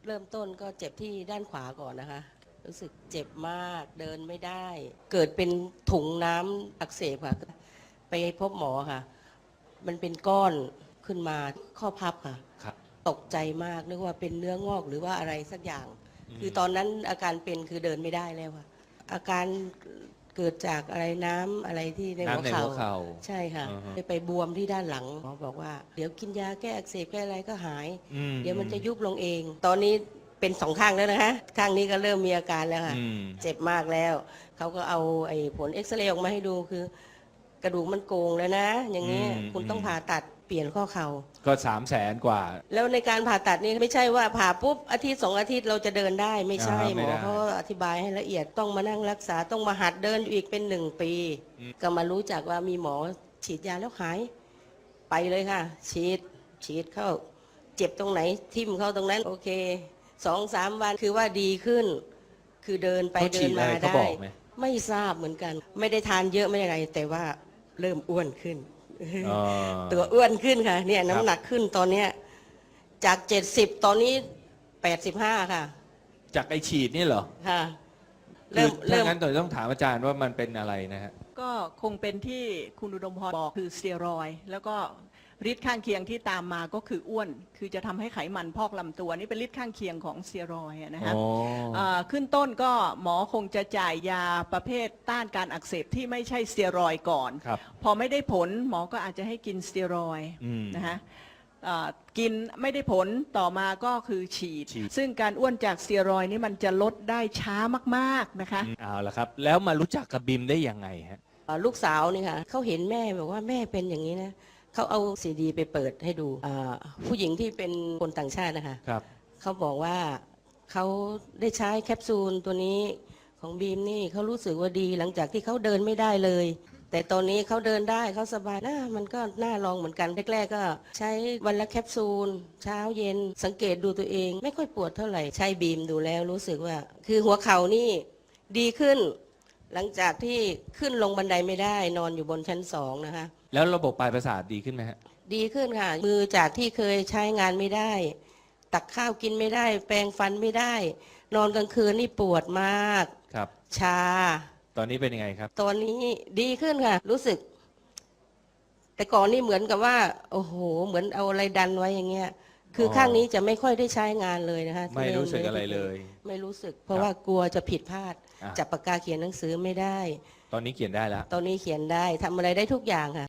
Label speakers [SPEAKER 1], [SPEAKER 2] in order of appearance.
[SPEAKER 1] เริ่มต้นก็เจ็บที่ด้านขวาก่อนนะคะรู้สึกเจ็บมากเดินไม่ได้เกิดเป็นถุงน้ำอักเสบค่ะไปพบหมอค่ะมันเป็นก้อนขึ้นมาข้อพับค่ะ
[SPEAKER 2] ครับ
[SPEAKER 1] ตกใจมากนึกว่าเป็นเนื้องอกหรือว่าอะไรสักอย่างคือตอนนั้นอาการเป็นคือเดินไม่ได้แล้วค่ะอาการเกิดจากอะไรน้ำอะไรที่ในหัว
[SPEAKER 2] น้ำในหัวเข่า
[SPEAKER 1] ใช่ค่ะ
[SPEAKER 2] อือฮะ
[SPEAKER 1] ไปบวมที่ด้านหลังหมอบอกว่าเดี๋ยวกินยาแก้อักเสบแก้อะไรก็หาย เดี๋ยวมันจะยุบลงเอง ตอนนี้เป็นสองข้างแล้วนะคะข้างนี้ก็เริ่มมีอาการแล้วค่ะเจ็บมากแล้วเขาก็เอาไอ้ผลเอ็กซเรย์ออกมาให้ดูคือกระดูกมันโกงแล้วนะอย่างนี้คุณต้องผ่าตัดเปลี่ยนข้อเข่า
[SPEAKER 2] ก็300,000 กว่า
[SPEAKER 1] แล้วในการผ่าตัดนี่ไม่ใช่ว่าผ่าปุ๊บอาทิตย์2 อาทิตย์เราจะเดินได้ไม่ใช่หมอเขาอธิบายให้ละเอียดต้องมานั่งรักษาต้องมาหัดเดินอีกเป็น1 ปีก็มารู้จักว่ามีหมอฉีดยาแล้วหายไปเลยค่ะฉีดเข้าเจ็บตรงไหนทิ่มเข้าตรงนั้นโอเค2-3 วันคือว่าดีขึ้นคือเดินไปเดินมาได้ไม่ทราบเหมือนกันไม่ได้ทานเยอะไม่ได้อะไรแต่ว่าเริ่มอ้วนขึ้นตัวอ้วนขึ้นค่ะเนี่ยน้ำหนักขึ้นตอนเนี้ยจาก70ตอนนี้85ค่ะ
[SPEAKER 2] จากไอฉีดนี่เหรอ
[SPEAKER 1] ค่ะ
[SPEAKER 2] เริ่มงั้นต้องถามอาจารย์ว่ามันเป็นอะไรนะฮะ
[SPEAKER 3] ก็คงเป็นที่คุณอุดมพรบอกคือสเตียรอยด์แล้วก็ฤทธิ์ข้างเคียงที่ตามมาก็คืออ้วนคือจะทำให้ไขมันพอกลำตัวนี่เป็นฤทธิ์ข้างเคียงของสเตียรอยด์นะฮะขึ้นต้นก็หมอคงจะจ่ายยาประเภทต้านการอักเสบที่ไม่ใช่สเตียรอยด์ก่อนพอไม่ได้ผลหมอก็อาจจะให้กินสเตียรอยด์นะฮะกินไม่ได้ผลต่อมาก็คือฉีดซึ่งการอ้วนจากสเตียรอยด์นี่มันจะลดได้ช้ามากๆนะคะ
[SPEAKER 2] เอาละครับแล้วมารู้จักกับบิมได้ยังไงฮะ
[SPEAKER 1] ลูกสาวนี่ค่ะเขาเห็นแม่บอกว่าแม่เป็นอย่างนี้นะเขาเอาซีดีไปเปิดให้ดูผู้หญิงที่เป็นคนต่างชาตินะคะเขาบอกว่าเขาได้ใช้แคปซูลตัวนี้ของบีมนี่เขารู้สึกว่าดีหลังจากที่เขาเดินไม่ได้เลยแต่ตอนนี้เขาเดินได้เขาสบายนะมันก็น่าลองเหมือนกันแรกๆก็ใช้วันละแคปซูลเช้าเย็นสังเกตดูตัวเองไม่ค่อยปวดเท่าไหร่ใช้บีมดูแล้วรู้สึกว่าคือหัวเข่านี่ดีขึ้นหลังจากที่ขึ้นลงบันไดไม่ได้นอนอยู่บนชั้น2นะคะ
[SPEAKER 2] แล้วระบบปลายประสาทดีขึ้นไหมฮะ
[SPEAKER 1] ดีขึ้นค่ะมือจากที่เคยใช้งานไม่ได้ตักข้าวกินไม่ได้แปรงฟันไม่ได้นอนกลางคืนนี่ปวดมาก
[SPEAKER 2] ครับ
[SPEAKER 1] ชา
[SPEAKER 2] ตอนนี้เป็นยังไงครับ
[SPEAKER 1] ตอนนี้ดีขึ้นค่ะรู้สึกแต่ก่อนนี่เหมือนกับว่าโอ้โหเหมือนเอาอะไรดันไว้อย่างเงี้ยคือข้างนี้จะไม่ค่อยได้ใช้งานเลยนะคะ
[SPEAKER 2] ไม่รู้สึกอะไรเลย
[SPEAKER 1] ไม่รู้สึกเพราะว่ากลัวจะผิดพลาดจับปากกาเขียนหนังสือไม่ได้
[SPEAKER 2] ตอนนี้เขียนได้แล้ว
[SPEAKER 1] ตอนนี้เขียนได้ทำอะไรได้ทุกอย่างค่ะ